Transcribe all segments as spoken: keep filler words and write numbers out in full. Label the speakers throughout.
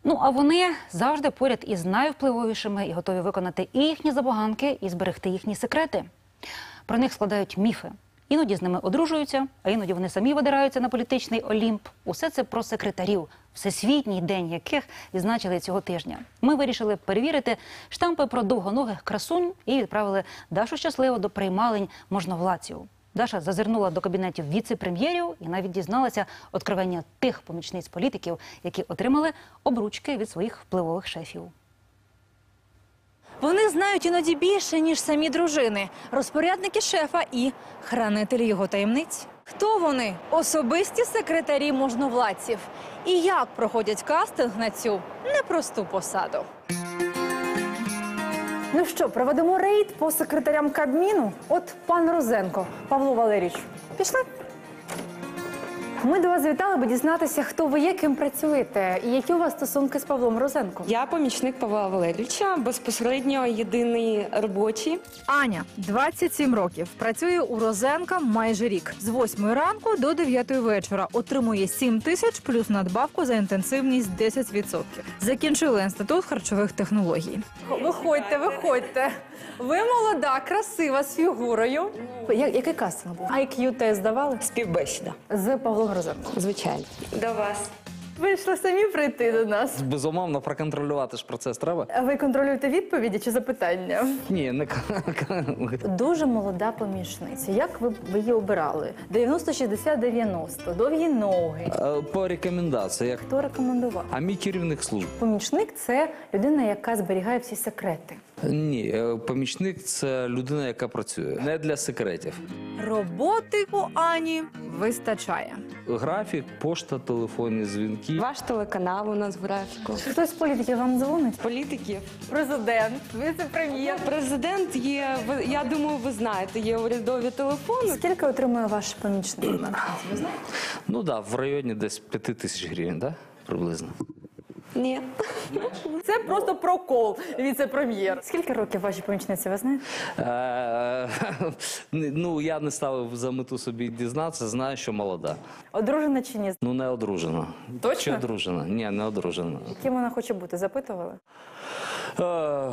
Speaker 1: Ну, а вони завжди поряд із найвпливовішими і готові виконати і їхні забаганки, і зберегти їхні секрети. Про них складають міфи. Іноді з ними одружуються, а іноді вони самі видираються на політичний Олімп. Усе це про секретарів, всесвітній день яких відзначили цього тижня. Ми вирішили перевірити штампи про довгоногих красунь і відправили Дашу Щасливу до приймалень можновладців. Даша зазирнула до кабінетів віце-прем'єрів і навіть дізналася откровення тих помічниць політиків, які отримали обручки від своїх впливових шефів.
Speaker 2: Вони знають іноді більше, ніж самі дружини, розпорядники шефа і хранителі його таємниць. Хто вони? Особисті секретарі можновладців. І як проходять кастинг на цю непросту посаду?
Speaker 3: Ну що, проведемо рейд по секретарям Кабміну? От пан Розенко, Павло Валерійович, пішли? Ми до вас завітали, аби дізнатися, хто ви є, ким працюєте і які у вас стосунки з Павлом Розенком.
Speaker 4: Я помічник Павла Валерійовича, безпосередньо єдиний робочий.
Speaker 2: Аня, двадцять сім років, працює у Розенка майже рік. З восьмої ранку до дев'ятої вечора. Отримує сім тисяч плюс надбавку за інтенсивність десять відсотків. Закінчила інститут харчових технологій.
Speaker 3: Виходьте, виходьте. Ви молода, красива, з фігурою. Я, який кастинг був? ай к'ю-тест здавали?
Speaker 4: Співбесіда.
Speaker 3: З Павлом Розенком.
Speaker 4: Звичайно. До вас.
Speaker 3: Вийшли самі прийти до нас.
Speaker 5: Безумовно, проконтролювати ж процес треба.
Speaker 3: А ви контролюєте відповіді чи запитання?
Speaker 5: Ні, не
Speaker 3: Дуже молода помічниця. Як ви, ви її обирали? дев'яносто шістдесят дев'яносто, довгі ноги.
Speaker 5: по рекомендаціях.
Speaker 3: Хто рекомендував?
Speaker 5: А мій керівник служб.
Speaker 3: Помічник – це людина, яка зберігає всі секрети.
Speaker 5: Ні, е, помічник – це людина, яка працює. Не для секретів.
Speaker 2: Роботи у Ані вистачає.
Speaker 5: Графік, пошта, телефонні дзвінки.
Speaker 4: Ваш телеканал у нас в графіку.
Speaker 3: Хтось з політиків вам дзвонить?
Speaker 4: Політиків.
Speaker 3: Президент, віце-прем'єр.
Speaker 4: Президент є, ви- я думаю, ви знаєте, є урядові телефони.
Speaker 3: Скільки отримує ваш помічник? Ви знаєте?
Speaker 5: Ну так, да, в районі десь п'яти тисяч гривень, да? Приблизно.
Speaker 4: Ні.
Speaker 3: Це просто прокол, віце-прем'єр. Скільки років вашій помічниці, ви знаєте?
Speaker 5: Е, ну, я не ставив за мету собі дізнатися, знаю, що молода.
Speaker 3: Одружена чи ні?
Speaker 5: Ну, не одружена.
Speaker 3: Точно?
Speaker 5: Чи одружена? Ні, не одружена.
Speaker 3: Ким вона хоче бути? Запитували?
Speaker 5: Е,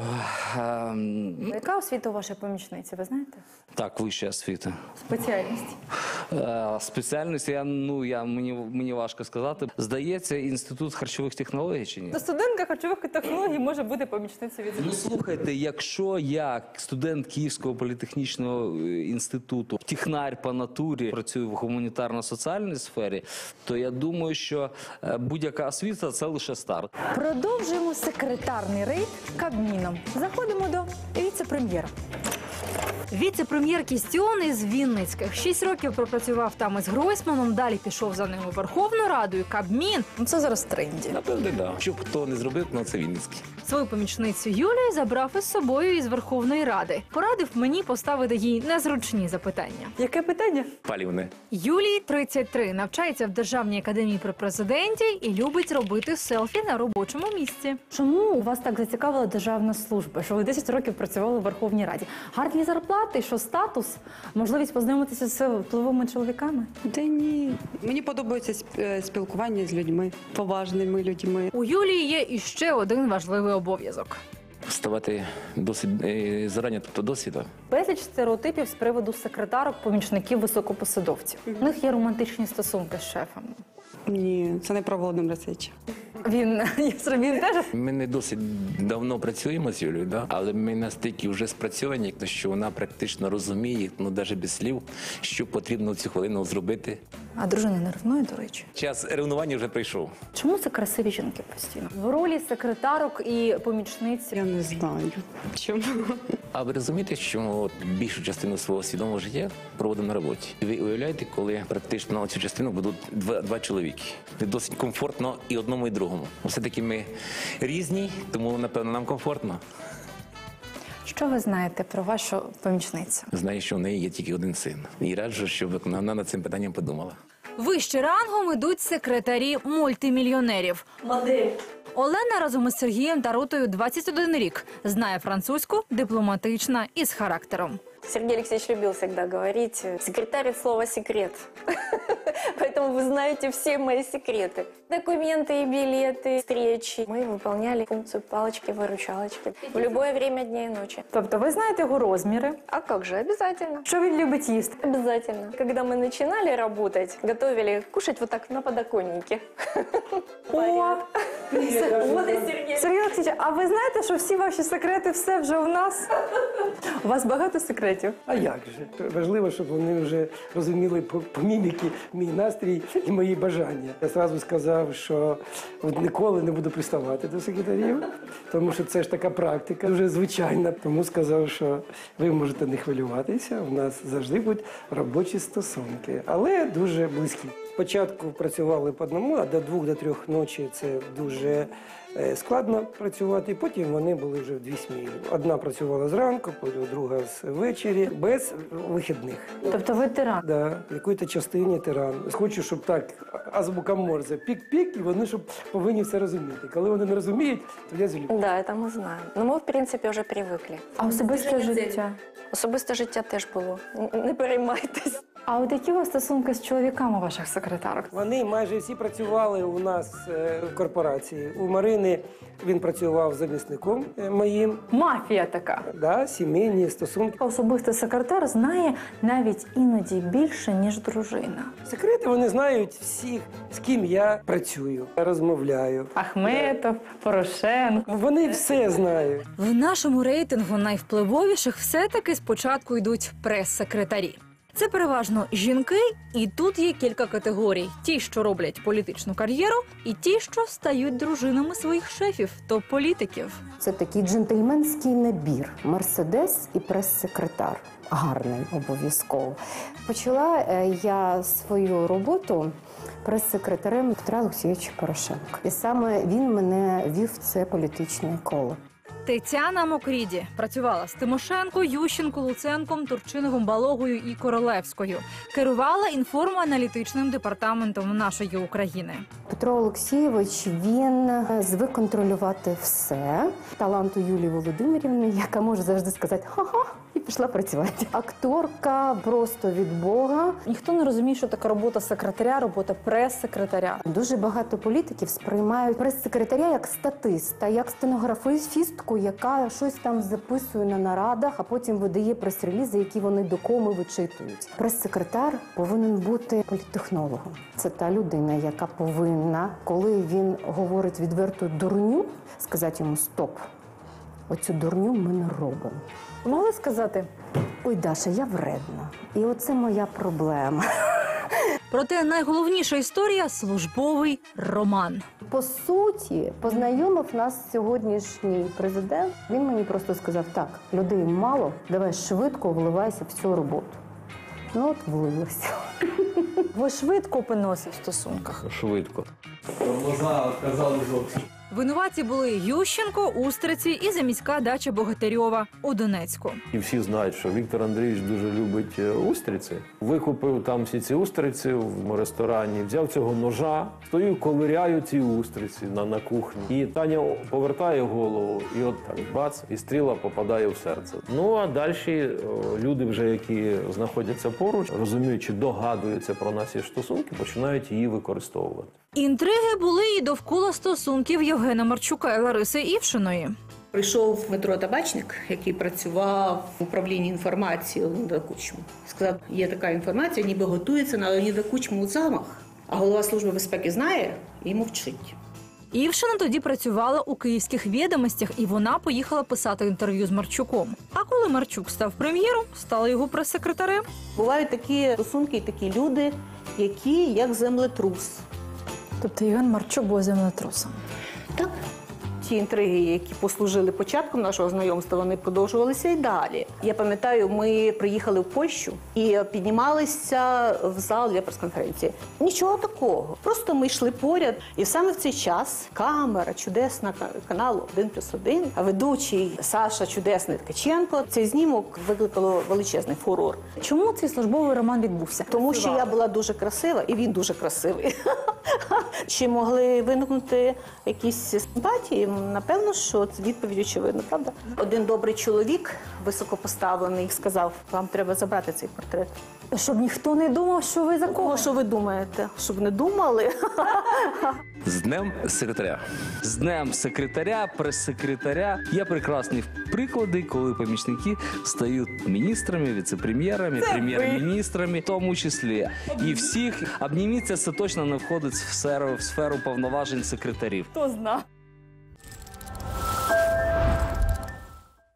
Speaker 5: е,
Speaker 3: Яка освіта у вашої помічниці, ви знаєте?
Speaker 5: так, вища освіта.
Speaker 3: Спеціальність.
Speaker 5: Е, Спеціальність, я, ну, я, мені, мені важко сказати. Здається, інститут харчових технологій чи ні?
Speaker 3: То студентка харчових технологій може бути помічницею від...
Speaker 5: Ну, слухайте, якщо я, студент Київського політехнічного е, інституту, технар по натурі, працюю в гуманітарно-соціальній сфері, то я думаю, що е, будь-яка освіта – це лише старт.
Speaker 3: Продовжуємо секретарний рейд Кабміном. Заходимо до віце-прем'єра.
Speaker 2: Віце-прем'єр Кістіон із Вінницьких. Шість років пропрацював там із Гройсманом, далі пішов за ним у Верховну Раду і Кабмін.
Speaker 3: Ну, це зараз в тренді.
Speaker 6: Напевне, да. Щоб хто не зробив, ну це Вінницький.
Speaker 2: Свою помічницю Юлію забрав із собою із Верховної Ради. Порадив мені поставити їй незручні запитання.
Speaker 3: Яке питання?
Speaker 6: Палівне.
Speaker 2: Юлії тридцять три, навчається в Державній академії при президенті і любить робити селфі на робочому місці.
Speaker 3: Чому вас так зацікавила державна служба, що ви десять років працювали в Верховній Раді? Гарні зарплати, що статус, можливість познайомитися з впливовими чоловіками?
Speaker 7: Та ні. Мені подобається сп- е, спілкування з людьми, поважними людьми.
Speaker 2: У Юлії є іще один важливий обов'язок.
Speaker 6: Вставати досить е, зарані, тобто досвіду.
Speaker 3: Безліч стереотипів з приводу секретарок, помічників, високопосадовців. У них є романтичні стосунки з шефом.
Speaker 7: Ні, це не про Володимира Сича.
Speaker 3: Він, він теж
Speaker 6: Ми не досить давно працюємо з Юлією, да? Але ми настільки вже спрацьовані, як то, що вона практично розуміє, ну навіть без слів, що потрібно в цю хвилину зробити.
Speaker 3: А дружина не ревнує, до речі.
Speaker 6: Час ревнування вже прийшов.
Speaker 3: Чому це красиві жінки постійно? В ролі секретарок і помічниць.
Speaker 7: Я не знаю. Чому?
Speaker 6: А ви розумієте, що от більшу частину свого свідомого життя проводимо на роботі? Ви уявляєте, коли практично цю частину будуть два, два чоловіки. Це досить комфортно і одному, і другому. Все-таки ми різні, тому, напевно, нам комфортно.
Speaker 3: Що ви знаєте про вашу помічницю?
Speaker 6: Знаю, що в неї є тільки один син. І раджу, щоб вона над цим питанням подумала.
Speaker 2: Вище рангом ідуть секретарі мультимільйонерів. Модель. Олена разом із Сергієм та Рутою двадцять один рік. Знає французьку, дипломатична і з характером.
Speaker 8: Сергей Алексеевич любил всегда говорить: секретарь – слово «секрет». Поэтому вы знаете все мои секреты. Документы и билеты, встречи. Мы выполняли функцию палочки-выручалочки в любое время дня и ночи.
Speaker 3: Тобто ви знаєте його розміри,
Speaker 8: А как же, обязательно.
Speaker 3: що він любить їсти.
Speaker 8: Обязательно. Когда мы начинали работать, готовили кушать вот так на подоконнике.
Speaker 3: О,
Speaker 8: Вот и Сергей.
Speaker 3: Сергій Олексійович, а ви знаєте, що всі ваші секрети все вже у нас? У вас багато секретів?
Speaker 9: А як же? Важливо, щоб вони вже розуміли по, по міміки мій настрій і мої бажання. Я одразу сказав, що от ніколи не буду приставати до секретарів, тому що це ж така практика, вже звичайна. Тому сказав, що ви можете не хвилюватися, у нас завжди будуть робочі стосунки, але дуже близькі. Спочатку працювали по одному, а до двох, до трьох ночі це дуже е, складно працювати. Потім вони були вже в дві сміни. Одна працювала зранку, потім друга з ввечері, без вихідних.
Speaker 3: Тобто ви тиран.
Speaker 9: Да, в якій-то частині тиран. Хочу, щоб так азбука Морзе, пік-пік, і вони щоб повинні все розуміти. Коли вони не розуміють, то я злю.
Speaker 8: Да, это мы знаем. Но мы, в принципе, вже привикли.
Speaker 3: А особисте життя?
Speaker 8: Особисте життя теж було. Н- Не переймайтесь.
Speaker 3: А от які у вас стосунки з чоловіками ваших секретарок?
Speaker 9: Вони майже всі працювали у нас е, в корпорації. У Марини він працював замісником е, моїм.
Speaker 3: Мафія така.
Speaker 9: Да, сімейні стосунки.
Speaker 3: Особистий секретар знає навіть іноді більше, ніж дружина.
Speaker 9: Секрети вони знають всіх, з ким я працюю, розмовляю.
Speaker 3: Ахметов, Порошенко.
Speaker 9: Вони все знають.
Speaker 2: В нашому рейтингу найвпливовіших все-таки спочатку йдуть прес-секретарі. Це переважно жінки, і тут є кілька категорій: ті, що роблять політичну кар'єру, і ті, що стають дружинами своїх шефів, топ-політиків.
Speaker 10: Це такий джентльменський набір. Мерседес і прес-секретар. Гарний, обов'язково. Почала е, я свою роботу прес-секретарем Петра Олексійовича Порошенка. І саме він мене вів в це політичне коло.
Speaker 2: Тетяна Мокріді працювала з Тимошенко, Ющенко, Луценком, Турчиновим, Балогою і Королевською. Керувала інформо-аналітичним департаментом нашої України.
Speaker 10: Петро Олексійович, він звик контролювати все. Таланту Юлії Володимирівни, яка може завжди сказати «ха-ха» і пішла працювати. Акторка просто від Бога.
Speaker 3: Ніхто не розуміє, що така робота секретаря, робота прес-секретаря.
Speaker 10: Дуже багато політиків сприймають прес-секретаря як статиста, як стенографістку, яка щось там записує на нарадах, а потім видає прес-релізи, які вони до коми вичитують. Прес-секретар повинен бути політтехнологом. Це та людина, яка повинна, коли він говорить відверту дурню, сказати йому «стоп». Оцю дурню ми не робимо.
Speaker 3: Ви могли сказати?
Speaker 10: Ой, Даша, я вредна. І оце моя проблема.
Speaker 2: Проте найголовніша історія – службовий роман.
Speaker 10: По суті, познайомив нас сьогоднішній президент. Він мені просто сказав, так, людей мало, давай швидко вливайся в цю роботу. Ну от влився.
Speaker 3: Ви швидко опинилися в стосунках.
Speaker 11: Швидко.
Speaker 2: Винуваті були Ющенко, Устриці і заміська дача Богатирьова у Донецьку.
Speaker 11: І всі знають, що Віктор Андрійович дуже любить устриці. Викупив там всі ці устриці в ресторані, взяв цього ножа, стою, ковиряю ці устриці на, на кухні. І Таня повертає голову, і от так бац, і стріла попадає в серце. Ну а далі люди, вже які знаходяться поруч, розуміючи, догадуються про наші стосунки, починають її використовувати.
Speaker 2: Інтриги були і довкола стосунків Євгена Марчука і Лариси Івшиної.
Speaker 12: Прийшов Дмитро Табачник, який працював в управлінні інформацією Леоніда Кучми. Сказав, є така інформація, ніби готується на Леоніда Кучму замах. А голова Служби безпеки знає і мовчить.
Speaker 2: Івшина тоді працювала у київських відомостях, і вона поїхала писати інтерв'ю з Марчуком. А коли Марчук став прем'єром, стала його прес-секретарем.
Speaker 12: Бувають такі стосунки і такі люди, які як землетрус.
Speaker 3: Тобто Євген Марчук був землетрусом.
Speaker 12: Так. Ті інтриги, які послужили початком нашого знайомства, вони продовжувалися і далі. Я пам'ятаю, ми приїхали в Польщу і піднімалися в зал для прес-конференції. Нічого такого. Просто ми йшли поряд. І саме в цей час камера чудесна каналу один плюс один, а ведучий Саша Чудесний Ткаченко. Цей знімок викликало величезний фурор.
Speaker 3: Чому цей службовий роман відбувся?
Speaker 12: Тому що я була дуже красива, і він дуже красивий. Чи могли виникнути якісь симпатії? Напевно, що це відповідь очевидна, правда? Один добрий чоловік, високопоставлений, сказав, вам треба забрати цей портрет.
Speaker 3: Щоб ніхто не думав, що ви за кого.
Speaker 12: Кого, що ви думаєте? Щоб не думали?
Speaker 6: З днем секретаря.
Speaker 5: З днем секретаря, прес-секретаря. Є прекрасні приклади, коли помічники стають міністрами, віце-прем'єрами, прем'єр-міністрами, в тому числі. І всіх обніміться, це точно не входить в сферу, в сферу повноважень секретарів.
Speaker 3: Хто зна?